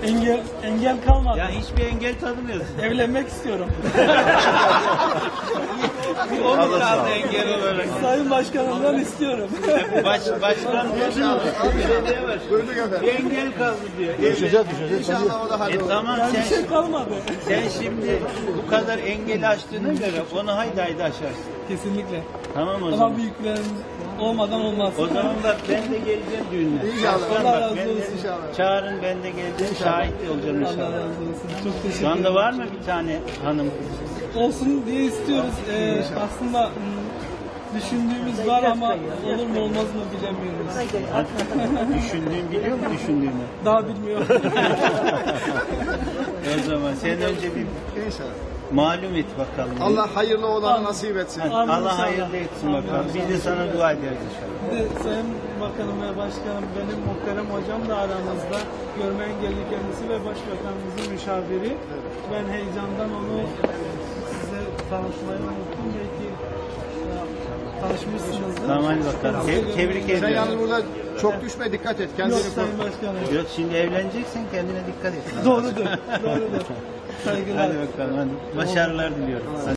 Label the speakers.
Speaker 1: Engel kalmadı.
Speaker 2: Ya hiçbir engel tanımıyorsun.
Speaker 1: Evlenmek istiyorum.
Speaker 2: O mu kaldı engel olarak?
Speaker 1: Sayın Başkanımdan istiyorum.
Speaker 2: Başkan diyor mu? Belediye var.
Speaker 3: Duyduk efendim.
Speaker 2: Bir engel kaldı diyor.
Speaker 3: Düşeceğiz. İnşallah o da
Speaker 2: Tamam
Speaker 1: Yani bir şey kalmadı.
Speaker 2: sen şimdi bu kadar engeli aştığına göre onu haydi aşarsın.
Speaker 1: Kesinlikle.
Speaker 2: Tamam o
Speaker 1: Ama
Speaker 2: zaman.
Speaker 1: büyüklerimiz olmadan olmaz.
Speaker 2: O zaman bak ben de geleceğim düğüne.
Speaker 3: İnşallah.
Speaker 2: Başkan
Speaker 1: Allah
Speaker 2: bak,
Speaker 1: razı
Speaker 2: ben de-
Speaker 1: olsun.
Speaker 3: İnşallah.
Speaker 2: Çağırın ben de geleceğim. Şahit de olacağım
Speaker 1: Allah
Speaker 2: inşallah.
Speaker 1: razı olsun. Çok teşekkür
Speaker 2: Şu
Speaker 1: ederim.
Speaker 2: anda var mı bir tane hanım?
Speaker 1: Olsun diye istiyoruz. Aslında düşündüğümüz var ama olur mu olmaz mı bilemiyoruz.
Speaker 2: Düşündüğün biliyor mu düşündüğünü?
Speaker 1: Daha bilmiyorum.
Speaker 2: O zaman sen önce bir
Speaker 3: İnşallah.
Speaker 2: malum et bakalım.
Speaker 3: Allah hayırlı olanı nasip etsin.
Speaker 2: Hadi,
Speaker 1: Amin
Speaker 2: Allah
Speaker 1: inşallah.
Speaker 2: hayırlı etsin
Speaker 1: Amin
Speaker 2: bakalım. Biz de sana dua ederiz inşallah.
Speaker 1: Bir de Sayın Bakanım ve Başkanım, benim muhterem hocam da aramızda. Görme engelli kendisi ve Başbakanımızın müşaviri. Ben heyecandan onu size tanıtmayı unuttum. Belki tanışmışsınızdır.
Speaker 2: Tamam hadi bakalım. Tebrik
Speaker 3: Sen
Speaker 2: ediyorum.
Speaker 3: yalnız burada çok düşme, dikkat et.
Speaker 1: Yok
Speaker 3: Kendini
Speaker 1: Sayın
Speaker 3: koru.
Speaker 1: Başkanım.
Speaker 2: Yok şimdi evleneceksin kendine dikkat et.
Speaker 1: Doğrudur. Doğrudur. Saygılar.
Speaker 2: Hadi bakalım hadi. Başarılar diliyorum.